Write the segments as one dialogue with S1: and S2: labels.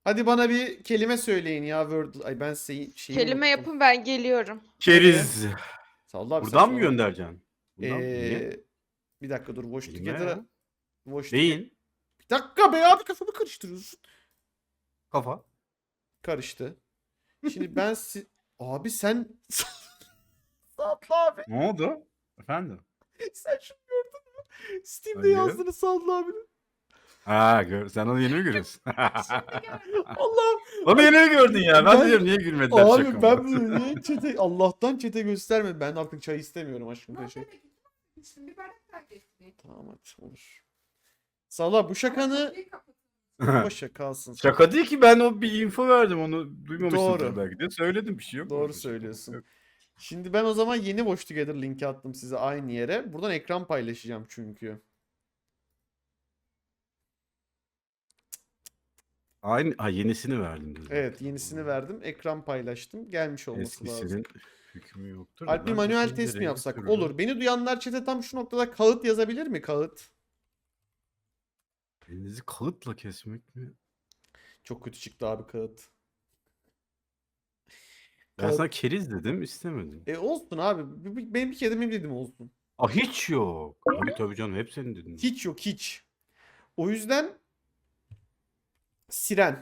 S1: Hadi bana bir kelime söyleyin ya Word. Ay ben şeyi
S2: Kelime
S1: unuttum.
S2: yapın ben geliyorum.
S3: Keriz.
S1: Salla abi
S3: Buradan mı
S1: saçmalama.
S3: göndereceksin? Bundan mı? Niye?
S1: Bir dakika dur. Watch
S3: Kelime
S1: Together'a.
S3: ya.
S1: Watch Together.
S3: Beyin.
S1: Bir dakika be abi kafamı karıştırıyorsun.
S3: Kafa.
S1: Karıştı. Şimdi ben abi sen Salla abi.
S3: Ne oldu? Efendim?
S1: Sen şunu gördün mü? Steam'de
S3: Hayır.
S1: yazdığını Salla abinin.
S3: Ha sen onu yeni mi görüyorsun?
S1: Allah'ım.
S3: Onu yeni mi gördün ya? Ben
S1: Ben-
S3: de diyorum niye gülmediler
S1: Abi
S3: şakama?
S1: ben bunu niye Allah'tan çete göstermedim. Ben artık çay istemiyorum aşkım. Teşekkür. Tamam hadi olur. Salla bu şakanı boşa kalsın.
S3: Şaka değil ki, ben o bir info verdim, onu duymamışsındır
S1: Doğru.
S3: belki de. Söyledim, bir şey yok.
S1: Doğru
S3: orada.
S1: söylüyorsun. Şimdi ben o zaman yeni Watch Together linki attım size aynı yere. Buradan ekran paylaşacağım çünkü.
S3: Aynı, yenisini verdim. dedim.
S1: Evet yenisini verdim. Ekran paylaştım. Gelmiş olması lazım.
S3: Eskisinin hükmü yoktur.
S1: Alp bir manuel test mi yapsak? Olur. Beni duyanlar chat'e tam şu noktada kağıt yazabilir mi? Kağıt.
S3: Elinizi kalıtla kesmek mi?
S1: Çok kötü çıktı abi kağıt.
S3: Ben
S1: Kağıt.
S3: sana keriz dedim, istemedin.
S1: Olsun abi. Benim bir kere de benim dedim olsun.
S3: Hiç yok. Tabii canım, hep senin dedin.
S1: Hiç yok hiç. O yüzden siren.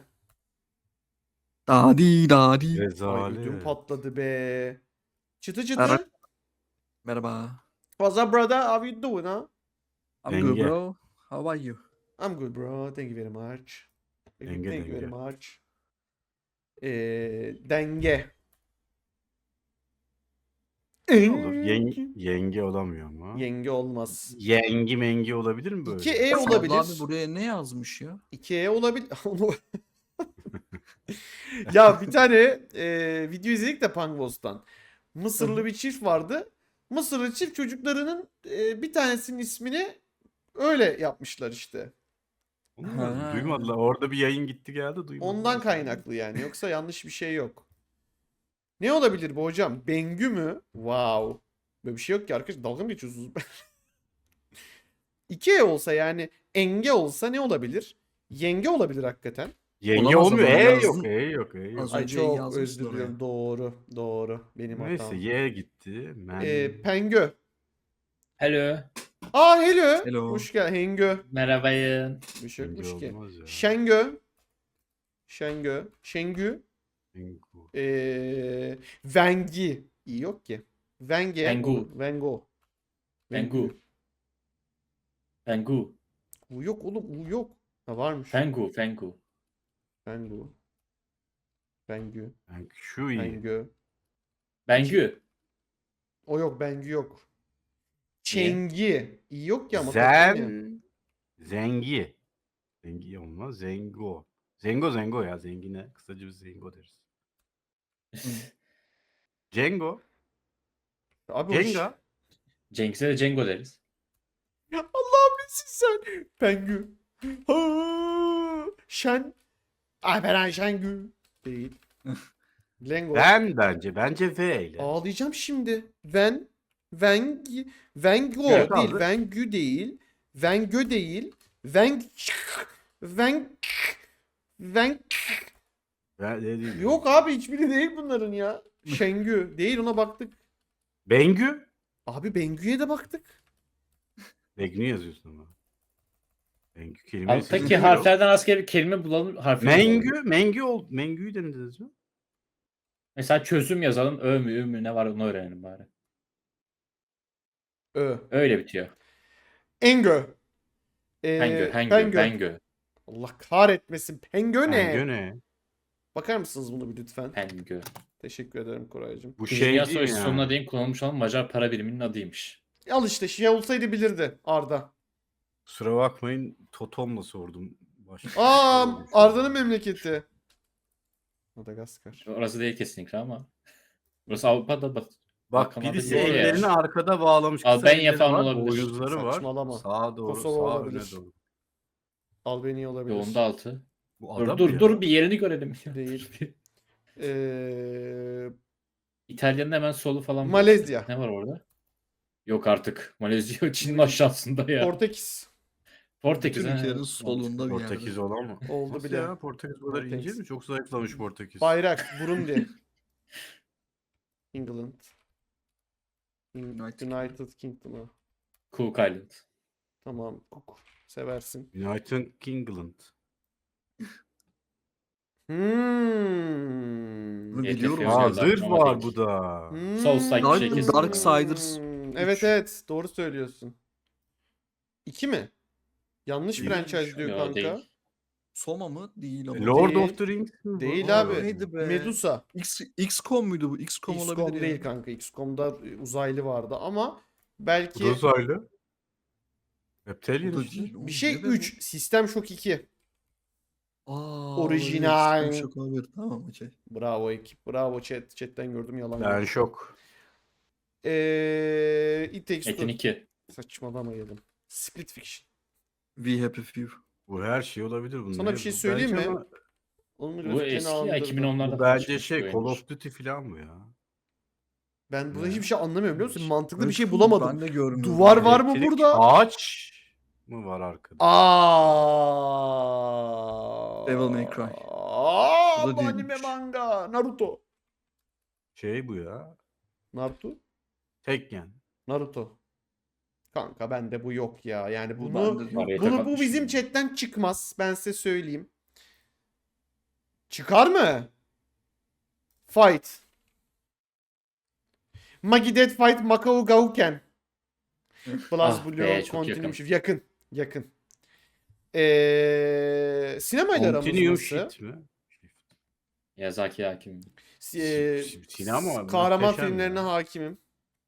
S4: Dadi dadi.
S1: Ay
S3: Rezalet.
S1: ödüm patladı be. Çıtı çıtı.
S4: Merhaba. Merhaba.
S1: What's up brother? How you doing ha?
S4: I'm good,
S3: Denge.
S4: bro. How are you?
S1: I'm good bro. Thank you very much.
S3: Denge,
S1: Thank you very
S3: denge.
S1: much. Denge.
S3: Olur. Yenge olamıyor ama.
S1: Yenge olmaz.
S3: Yengi mengi olabilir mi böyle?
S1: 2E
S4: Salla
S1: olabilir.
S4: abi buraya ne yazmış ya?
S1: 2E olabilir. Ya bir tane video izledik de Pangos'tan. Mısırlı bir çift vardı. Mısırlı çift çocuklarının bir tanesinin ismini öyle yapmışlar işte.
S3: Onu
S4: Ha.
S3: duymadılar. Orada bir yayın gitti geldi, duymadılar.
S1: Ondan kaynaklı yani. Yoksa yanlış bir şey yok. Ne olabilir bu hocam? Bengü mü? Wow. Böyle bir şey yok ki arkadaş. Dalga mı geçiyorsunuz? 2E olsa yani enge olsa ne olabilir? Yenge olabilir hakikaten.
S3: Yenge
S4: Olamaz
S3: olmuyor.
S4: ama
S3: Yok,
S4: yazdın.
S3: yok.
S4: Az
S1: Ay
S4: önce
S1: çok
S4: yazmışlar
S1: özür diliyorum.
S4: oraya.
S1: Doğru. Benim
S3: Neyse,
S1: hatam.
S3: Y gitti.
S1: Pengö.
S5: Hello.
S1: Hello.
S4: Hello.
S1: Hoş geldin. Hengö.
S5: Merhabayın.
S1: Bir şey
S3: Bence
S1: yokmuş ki.
S3: olmaz ya.
S1: Şengü.
S3: Pengu.
S1: Vengi. İyi yok ki. Venge.
S5: Vengu.
S1: Vengo.
S5: Pengu. Pengu.
S1: U yok oğlum. U yok. Ha varmış.
S5: Pengu.
S1: Vengu. Vengü.
S3: Şu iyi.
S1: Vengö.
S5: Bengü.
S1: O yok. Bengü yok. Çengi. İyi yok ki ama.
S3: Zengi. Zengi olmaz. Zengo. Zengo ya. Zengine. Kısaca biz Zengo deriz. Cengo.
S1: Abi
S3: Cenga.
S5: Cengiz'e de Cengo deriz.
S1: Allah'ım nesin sen? Pengü. Şen. Alperen Şengü. Değil. Lengo.
S3: Bence V ile.
S1: Ağlayacağım şimdi. Vengo
S3: Evet,
S1: değil.
S3: abi.
S1: Vengü değil. Vengö değil. Veng.
S3: Değil.
S1: Yok abi hiçbiri değil bunların ya. Şengü değil ona baktık.
S3: Bengü.
S1: Abi Bengü'ye de baktık.
S3: Bengü yazıyorsun ama. Bengü kelimesi.
S5: Alttaki harflerden asker bir kelime bulalım.
S3: Mengü'yü denediniz mi?
S5: Mesela çözüm yazalım. Ö mü, ü mü ne var onu öğrenelim bari. Öyle bitiyor.
S1: Engö.
S5: Pengö.
S1: Allah kahretmesin. Pengö ne?
S3: Bengü ne?
S1: Bakar mısınız bunu bir lütfen?
S5: Pengö.
S1: Teşekkür ederim Koraycığım.
S3: Bu
S5: Dünya
S3: şey değil
S5: Savaşı
S3: ya.
S5: sonuna değin kullanılmış olan Macar para biriminin adıymış.
S1: Al işte şey olsaydı bilirdi Arda.
S3: Kusura bakmayın, Totom'la sordum.
S1: Arda'nın memleketi. Madagaskar.
S5: Orası değil kesinlikle ama. Burası Avrupa'da
S3: Bak
S5: Balkanlarda
S3: birisi
S5: bir yer ya.
S3: ellerini arkada bağlamış. kısa
S5: Albanya
S3: elleri
S5: falan
S3: var,
S5: olabilir.
S3: boynuzları var.
S1: Saçmalama.
S3: Sağa doğru,
S1: Kosova
S3: sağa
S1: olabilir.
S3: öne doğru.
S1: Albanya olabilir.
S5: Yolunda altı.
S3: Bu adam
S5: Dur bir yerini görelim.
S1: Değil.
S5: İtalya'nın hemen solu falan.
S1: Malezya.
S5: Ne var orada? Yok artık. Malezya Çin'in aşağısında ya.
S1: Portekiz.
S5: Portekiz.
S4: Bütün
S5: ha,
S4: ülkelerin
S5: evet,
S4: solunda bir yerde.
S3: Portekiz olan mı?
S1: Oldu
S3: Nasıl
S1: bile.
S3: ya? Portekiz bu kadar ince
S1: Portekiz.
S3: mi? Çok zayıflamış Portekiz.
S1: Bayrak Burundi. England.
S4: United
S1: United Kingdom'u.
S5: Cook Island.
S1: Tamam. Cook. Seversin.
S3: United Kingland.
S1: Hmm.
S4: Bunu
S5: YTF
S4: biliyorum.
S5: yazıyor
S3: Aa
S5: zaten
S3: zırh
S5: ama
S3: var
S5: değil.
S3: bu da.
S1: Hmm.
S5: Soulstrike
S4: Dark-
S5: bir şey kesin.
S4: Darksiders
S1: Evet
S4: 3.
S1: evet. Doğru söylüyorsun. 2 mi? Yanlış
S3: Değil.
S1: franchise diyor
S5: Yo,
S1: kanka.
S5: değil.
S4: Soma mı? Değil ama.
S3: Lord
S1: Değil.
S3: of the Rings mi bu?
S1: Değil abi.
S4: Neydi be?
S1: Medusa.
S4: XCOM muydu bu? XCOM
S1: XCOM
S4: olabilir
S1: değil
S4: ya.
S1: kanka. XCOM'da uzaylı vardı ama
S3: Bu da
S1: belki
S3: uzaylı.
S4: Bu
S3: Reptilian
S4: da
S3: işte.
S4: değil. Oğlum,
S1: bir şey
S4: ne be
S1: 3. System Shock 2.
S4: Aa,
S1: Orijinal.
S4: olabilir. Çok olabilir. Tamam okey.
S1: Bravo ekip. Bravo chat. Chat'ten gördüm yalan
S3: Ben
S1: yok.
S3: şok.
S1: It Takes
S5: Metin
S1: Two.
S5: 2.
S1: Saçmalamayalım. Split Fiction.
S4: We Happy Few.
S3: Bu her şey olabilir bunun.
S1: Sana
S3: Ne
S1: bir şey
S3: bu?
S1: söyleyeyim
S3: Bence
S1: mi?
S3: ama
S1: Onun
S5: Bu
S1: grafiklerini
S5: eski ya
S1: andırdı.
S5: 2010'larda
S3: Bu
S5: falan
S3: bence
S5: çıkmış
S3: şey
S5: bir
S3: Call
S5: oyundur.
S3: of Duty falan bu ya.
S1: Ben burada
S3: Ne?
S1: hiçbir şey anlamıyorum biliyor musun? Mantıklı bir
S4: Evet,
S1: şey bulamadım.
S4: Ben de görmüyorum.
S1: Duvar var mı
S3: Elektrik
S1: burada?
S3: Ağaç mı var arkada?
S1: Aa.
S4: Devil May Cry.
S1: Aa,
S4: Bu da
S1: bu anime
S4: değilmiş.
S1: manga. Naruto.
S3: Şey bu ya.
S1: Naruto.
S3: Tekken.
S1: Naruto. Kanka bende bu yok ya. Yani
S4: Bu
S1: bunu
S4: bende de
S5: Araya
S4: yok.
S1: bu
S5: takılmış
S1: bizim
S5: yani.
S1: chatten çıkmaz. Ben size söyleyeyim. Çıkar mı? Fight. Magi Dead Fight Macau Gauken. Plus
S5: Ah
S1: Blue
S5: be, çok
S1: Continuum
S5: yakın.
S1: Shift. Yakın. Yakın. Sinemayla aramız
S3: Continuum
S1: nasıl?
S3: Shift mi?
S5: Yazaki Hakim.
S3: Sinema
S1: kahraman
S3: muhteşem
S1: filmlerine
S3: ya.
S1: hakimim.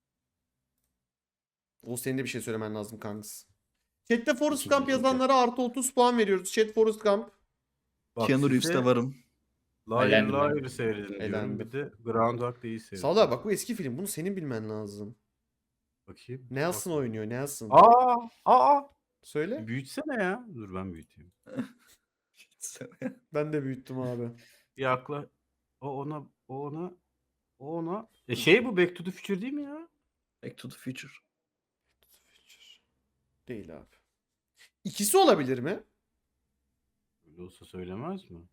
S1: O senin de bir şey söylemen lazım kanks. Chat'te Forrest
S5: İkinci,
S1: Gump
S5: ikinci.
S1: yazanlara artı 30 puan veriyoruz. Chat Forrest Gump.
S3: Bak
S4: Keanu
S3: size
S4: Reeves'te varım.
S3: Liar
S5: Elendim ben.
S3: Liar seyredin diyorum.
S1: Elendim.
S3: Bir de Groundhog Day'i seyredin.
S1: Sağlar bak bu eski film. Bunu senin bilmen lazım.
S3: Bakayım.
S1: Nelson
S3: Bak.
S1: oynuyor. Nelson.
S3: Aa.
S1: Söyle.
S3: Büyütsene ya. Dur ben büyüteyim.
S1: Ben de büyüttüm abi.
S3: Yakla. O ona. Şey bu Back to the Future değil mi ya?
S4: Back to the Future.
S1: Değil abi. İkisi olabilir mi?
S3: Öyle olsa söylemez mi?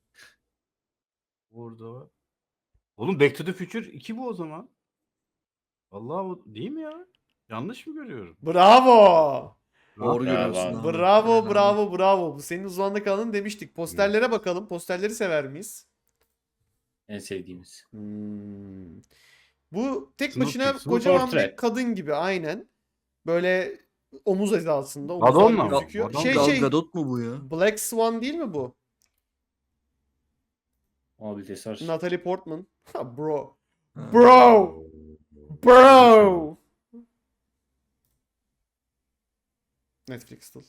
S3: Orada. Oğlum Back to the Future 2 bu o zaman. Vallahi o değil mi ya? Yanlış mı görüyorum?
S1: Bravo.
S4: Doğru
S5: Bravo
S4: görüyorsun
S5: abi.
S4: abi.
S1: Bravo,
S4: Helal.
S1: bravo, bravo. Bu senin uzmanlık alanın demiştik. Posterlere bakalım. Posterleri sever miyiz?
S5: En sevdiğimiz.
S1: Bu tek
S3: Snoopy,
S1: başına
S3: Snoopy.
S1: kocaman bir
S5: Portrait.
S1: kadın gibi aynen. Böyle omuz hizasında.
S3: Madonna
S1: Omuzlar
S3: mı?
S1: gözüküyor.
S3: Madonna.
S1: Şey
S4: Gal
S1: şey.
S4: Gadot mu bu ya?
S1: Black Swan değil mi bu?
S5: Mobilitesi var.
S1: Natalie Portman. Ha, bro.
S4: Ha.
S1: Bro. Bro. Netflix still.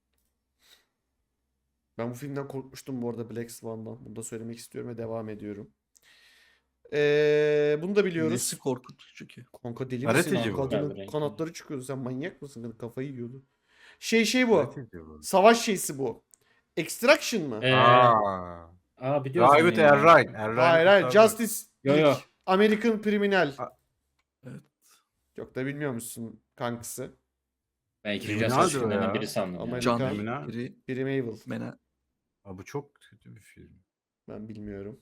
S1: Ben bu filmden korkmuştum bu arada, Black Swan'dan. Bunu da söylemek istiyorum ve devam ediyorum. Bunu da biliyoruz.
S4: Nesi korkutucu ki?
S1: Kanka deli
S3: Karateci
S1: misin?
S3: bu.
S1: Kadının
S5: Gel buraya.
S1: kanatları çıkıyordu. Sen manyak mısın? Kadın kafayı yiyordu. Şey bu.
S3: Evet, ediyor.
S1: Savaş şeysi bu. Extraction mı?
S5: Biliyorsun
S3: Private
S5: ya.
S3: Errain.
S1: Hayır hayır. Justice
S5: Yo,
S1: League.
S5: yo.
S1: American Criminal.
S4: Evet.
S1: Çok da bilmiyormuşsun kankısı.
S5: Ben ikinci
S3: Criminaldir
S5: Assassin's
S3: o
S5: filmlerinden
S3: ya.
S5: biri sandım.
S1: Ama
S5: ya.
S1: Can-
S4: Can.
S3: Criminal.
S4: Biri.
S1: Biri Mabel.
S4: Mena.
S3: Aa, bu çok kötü bir film.
S1: Ben bilmiyorum.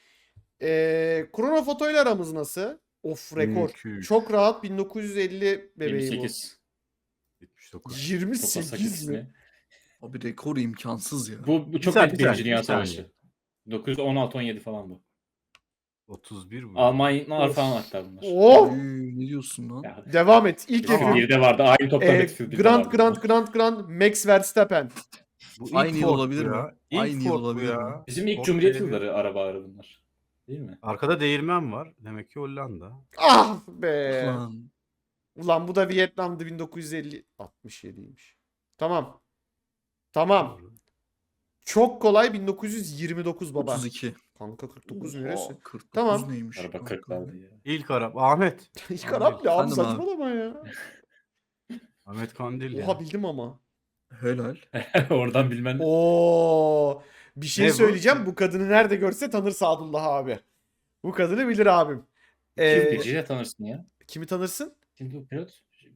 S1: Krono fotoyla aramız nasıl? Of rekor.
S3: 1200.
S1: Çok rahat 1950 bebeği
S5: 28.
S3: 79.
S1: bu.
S5: Çok
S1: 28
S5: basak
S1: mi?
S5: ikisini.
S4: Abi rekor imkansız ya.
S5: Bu çok
S3: saniye,
S5: net
S3: bir
S5: Birinci
S3: saniye,
S5: Dünya
S3: bir saniye.
S5: Savaşı. 916-17 falan bu.
S3: 31 bu.
S5: Almanlar
S1: Of.
S5: falan hatta bunlar.
S1: Oh!
S4: Ne diyorsun lan?
S5: Ya,
S1: Devam et. İlk
S3: Tamam.
S1: F1.
S5: F1'de vardı. Aynı topta Battlefield'de
S1: Grand Max Verstappen.
S3: Bu
S4: Aynı
S3: ilk
S4: yıl
S3: Ford
S4: olabilir
S3: bu
S4: mi?
S3: ya. İlk
S4: Aynı yıl
S3: Ford bu
S4: olabilir
S3: ya.
S4: mi?
S5: Bizim ilk
S3: Ford
S5: Cumhuriyet
S3: belediye.
S5: yılları arabaları bunlar. Değil mi?
S3: Arkada değirmen var. Demek ki Hollanda.
S1: Ah be.
S4: Lan.
S1: Ulan bu da Vietnam'dı 1950. 67'ymiş. Tamam. Tamam.
S3: Doğru.
S1: Çok kolay 1929 baba.
S4: 32.
S1: Kanka 49 neresi?
S4: Oha, 49
S1: Tamam.
S4: neymiş?
S5: Araba
S4: kanka?
S5: 40'lardı ya.
S3: İlk Arap. Ahmet.
S1: İlk Arap ne abi,
S4: Efendim abi.
S1: saçmalama ya.
S3: Ahmet Kandil ya.
S1: Oha bildim ama.
S4: Helal.
S5: Oradan bilmen.
S1: Oo, bir şey
S3: Ne bu?
S1: söyleyeceğim. Bu kadını nerede görse tanır Sadullah abi. Bu kadını bilir abim.
S5: Kim Geceyle tanırsın ya.
S1: Kimi tanırsın?
S5: Şimdi bu pilot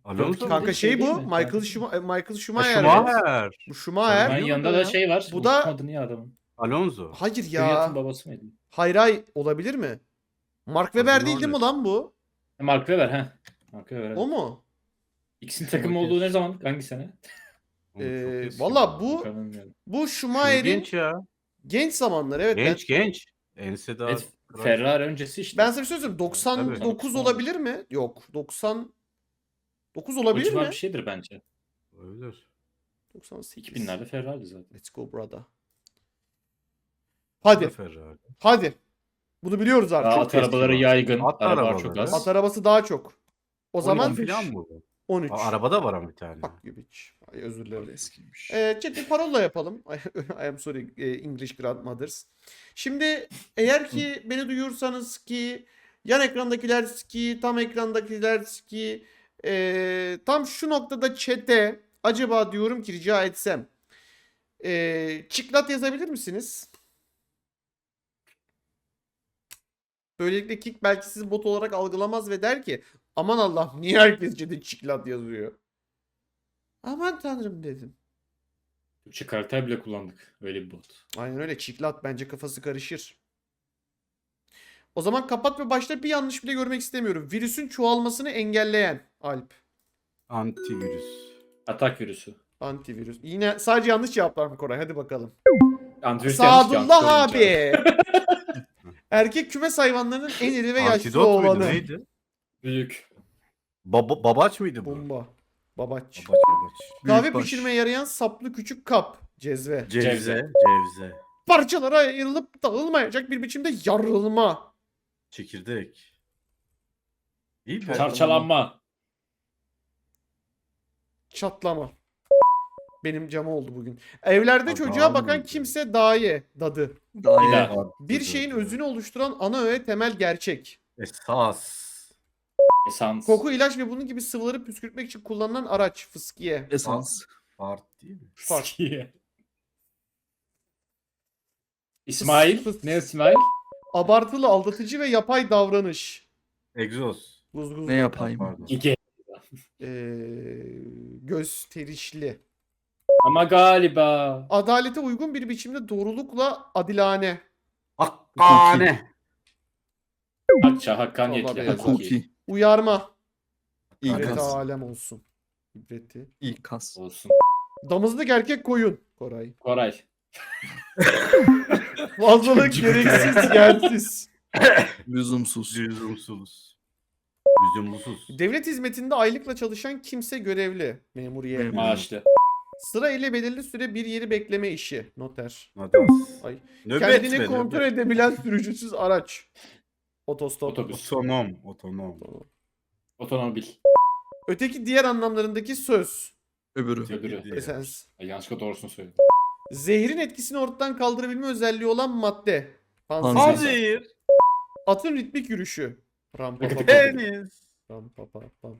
S3: Alonso
S1: Kanka
S5: Değil,
S1: şey
S5: değil
S1: bu.
S5: mi?
S1: Michael
S3: Ha,
S1: Schumacher.
S3: Schumacher.
S1: Bu Schumacher.
S5: Bunun yanında da şey var.
S1: Bu da-
S5: Unuttum adını ya adamın.
S3: Alonso.
S1: Hayır
S5: Kvyat'ın
S1: ya.
S5: babası mıydı?
S1: Hayır olabilir mi? Mark Webber değil mi
S3: Norris.
S1: lan bu?
S5: Mark Webber ha. Mark Webber.
S1: O mu?
S5: İkisinin takım olduğu ne zaman? Hangi sene?
S3: Oğlum çok eski
S1: Valla
S3: bu.
S1: bu
S5: Bilmiyorum.
S1: bu
S3: Şu
S1: Schumacher'in
S3: genç ya.
S1: genç zamanları evet.
S3: Genç. Ense daha.
S5: Evet, Ferrari öncesi işte.
S1: Ben sana bir şey söyleyeyim. 99
S5: Tabii.
S1: olabilir mi? Yok. 99
S5: O
S1: olabilir
S5: civar
S1: mi?
S5: bir şeydir bence.
S3: Olabilir.
S1: 98.
S5: 2000'lerde Ferrari zaten.
S1: Let's go brother.
S3: Bu da
S1: Hadi.
S3: Ferrari.
S1: Hadi. Bunu biliyoruz artık.
S5: At arabaları
S3: eski
S5: yaygın.
S3: At
S5: Araba
S3: arabaları.
S5: çok az.
S1: At arabası daha çok. O zaman
S3: falan mı bu?
S1: 13.
S3: Arabada var ama bir tane.
S1: Fuck you bitch. Ay, özür
S4: Abi
S1: dilerim.
S4: eskiymiş.
S1: Chat'te parola yapalım. I am sorry English grandmothers. Şimdi eğer ki beni duyuyorsanız ki yan ekrandakiler ki tam ekrandakiler ki tam şu noktada chat'e acaba diyorum ki rica etsem çiklat yazabilir misiniz? Böylelikle Kick belki sizi bot olarak algılamaz ve der ki aman Allah'ım niye herkes chat'e çiklat yazıyor? Aman tanrım dedim.
S5: Türkçe karakter bile kullandık. Öyle bir bot.
S1: Aynen öyle. Çiklat bence kafası karışır. O zaman kapat ve başta bir yanlış bile görmek istemiyorum. Virüsün çoğalmasını engelleyen Alp.
S3: Antivirüs.
S5: Atak virüsü.
S1: Antivirüs. Yine sadece yanlış cevaplar mı Koray? Hadi bakalım.
S5: Antivirüs yanlış ki,
S1: Sadullah
S5: antivirüs
S1: abi. Erkek kümes hayvanlarının en iri ve yaşlı
S3: Antidot muydu
S1: olanı.
S3: neydi?
S5: Büyük.
S3: Babaç mıydı bu?
S1: Bomba. Babaç.
S3: Babaç.
S1: Kahve
S4: Büyükbaş.
S1: pişirmeye yarayan saplı küçük kap. Cezve.
S3: Cevze.
S1: Parçalara ayrılıp dağılmayacak bir biçimde yarılma.
S3: Çekirdek. İyi be.
S5: Çarçalanma.
S1: Çatlama. Benim cama oldu bugün. Evlerde
S3: Abi,
S1: çocuğa
S3: abi
S1: bakan
S3: mıydı?
S1: kimse daye. Dadı.
S4: Daha
S5: Bir
S4: iyi.
S5: daha.
S1: Bir şeyin özünü oluşturan ana öğe temel gerçek.
S3: Esas.
S5: Esans.
S1: Koku, ilaç ve bunun gibi sıvıları püskürtmek için kullanılan araç. Fıskiye.
S4: Esans.
S3: Fart değil mi?
S1: Fart.
S5: Skiye. İsmail.
S1: Fıs-
S5: Ne İsmail?
S1: Abartılı, aldatıcı ve yapay davranış.
S3: Egzoz.
S1: Guzguz.
S4: Ne yapayım?
S3: Pardon.
S5: Gige.
S1: Gösterişli.
S5: Ama galiba.
S1: Adalete uygun bir biçimde doğrulukla adilane.
S3: Hakkane.
S5: Hakça,
S1: Vallahi
S5: hakkaniyetli.
S1: beyaz.
S5: Hakiki.
S4: Hukuki.
S1: Uyarma. İbreti
S4: İkaz.
S1: alem olsun. İbreti.
S4: İkaz.
S5: Olsun.
S1: Damızlık erkek koyun. Koray.
S5: Koray.
S1: Fazlalık gereksiz yersiz.
S4: Lüzumsuz.
S3: Lüzumsuz. Lüzumsuz.
S1: Devlet hizmetinde aylıkla çalışan kimse görevli. Memuriye.
S4: Memur.
S5: Maaşlı.
S1: Sıra ile belirli süre bir yeri bekleme işi. Noter.
S3: Nadas.
S1: Ay.
S3: Nöbet
S1: Kendini
S3: be,
S1: kontrol
S3: nöbet.
S1: edebilen sürücüsüz araç. Otostop.
S5: Otobüs.
S3: Otonom.
S5: Otomobil.
S1: Öteki diğer anlamlarındaki söz.
S4: Öbürü.
S5: Öbürü.
S1: Esens.
S5: Ay, yanlışlıkla doğrusunu söyledim.
S1: Zehrin etkisini ortadan kaldırabilme özelliği olan madde. Panzehir.
S4: Panzehir.
S3: Hazır.
S1: Atın ritmik yürüyüşü. Ram pa pa pa.
S3: Deniz.
S1: Ram pa pa pam.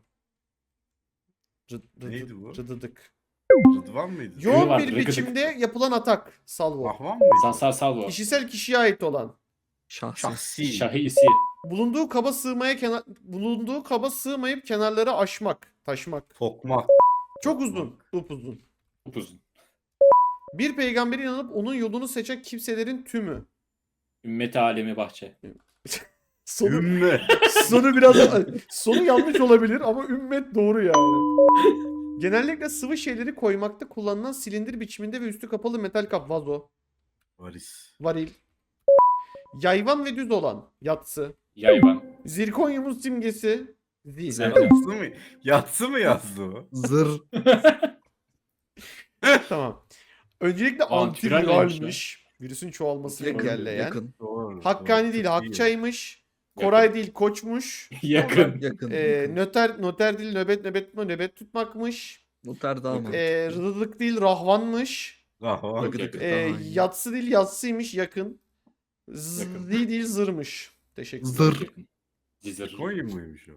S3: Neydi bu?
S1: Rıdıdık.
S3: Rıdvan mıydı?
S1: Yoğun
S5: vardı,
S1: bir
S5: rıkıdık.
S1: biçimde yapılan atak. Salvo.
S3: Ahvan mıydı?
S5: Sansar Salvo.
S1: Kişisel kişiye ait olan.
S4: Şahsi.
S3: Şahsi.
S5: Şahisi.
S1: Bulunduğu kaba sığmayıp kenarları aşmak, taşmak.
S3: Tokmak.
S1: Çok uzun, upuzun.
S5: Upuzun.
S1: Bir peygambere inanıp onun yolunu seçen kimselerin tümü.
S5: Ümmeti alemi bahçe.
S1: Sonu,
S3: Ümme.
S1: sonu biraz sonu yanlış olabilir ama ümmet doğru yani. Genellikle sıvı şeyleri koymakta kullanılan silindir biçiminde ve üstü kapalı metal kap, vazo,
S3: Varis.
S1: varil. Yayvan ve düz olan, yatsı.
S5: Yayvan.
S1: Zirkonyumun simgesi, zil.
S4: Zerre.
S3: Yatsı mı? Yatsı mı yazdı o?
S4: Zır.
S1: Tamam. Öncelikle
S5: Antiviral
S1: antiviralmiş. Virüsün çoğalmasını
S4: Yakın.
S1: engelleyen.
S4: Yakın.
S3: Doğru.
S1: Hakkani
S3: doğru.
S1: değil,
S3: Çok iyi.
S1: Hakçaymış.
S5: Yakın.
S1: Koray değil, koçmuş.
S5: Yakın.
S4: Yakın.
S1: Noter değil, nöbet tutmakmış.
S4: Noter daha mı?
S1: Rıdılık değil, rahvanmış.
S3: Ahvan.
S4: Rıgıdık
S5: yakın.
S4: daha iyi.
S1: Yatsı değil, yatsıymış, yakın.
S5: Yakın.
S1: Zil değil, zırmış. Teşekkür ederim.
S4: Zır.
S5: Yakın. Cizir.
S3: Konya mıymış o?